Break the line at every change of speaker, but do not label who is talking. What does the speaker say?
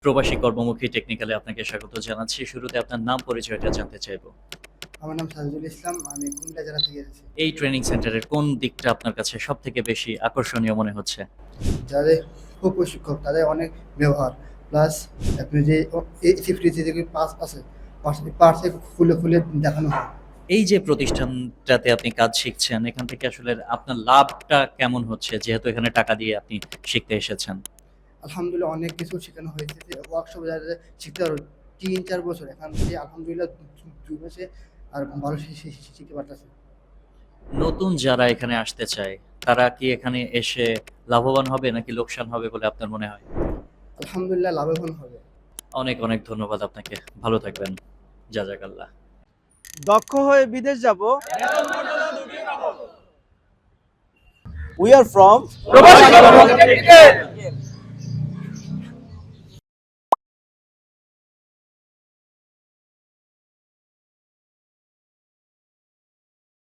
প্রবাসী কর্মমুখী টেকনিক্যালে আপনাকে স্বাগত জানাচ্ছি। শুরুতে আপনার নাম পরিচয়টা জানতে চাইবো।
আমার নাম সাজিদুল ইসলাম। আমি কুমিল্লা জেলা থেকে এসেছি।
এই ট্রেনিং সেন্টারের কোন দিকটা আপনার কাছে সবথেকে বেশি আকর্ষণীয় মনে হচ্ছে?
যাদের প্রশিক্ষক তাদের অনেক ব্যবহার প্লাস আপনি যে সেফটি যে পাস আছে পার্সে খুলে খুলে দেখানো হয়।
এই যে প্রতিষ্ঠানটাতে আপনি কাজ শিখছেন, এখান থেকে আসলে আপনার লাভটা কেমন হচ্ছে? যেহেতু এখানে টাকা দিয়ে আপনি শিখতে এসেছেন।
আলহামদুলিল্লাহ অনেক কিছু শেখানো হয়েছে, যে ওয়ার্কশপ যারা শিখতে পারো ৩-৪ বছর এখান থেকে আলহামদুলিল্লাহ ২ মাসে আর ভালো শিখতে পারতেছে।
নতুন যারা এখানে আসতে চায়, তারা কি এখানে এসে লাভবান হবে নাকি লোকসান হবে বলে আপনার মনে হয়?
আলহামদুলিল্লাহ লাভবান হবে।
অনেক, অনেক ধন্যবাদ আপনাকে। ভালো থাকবেন। জাযাকাল্লাহ।
দক্ষ হয়ে বিদেশ যাব। We are from
প্রবাসী কর্মমুখী টেকনিক্যাল।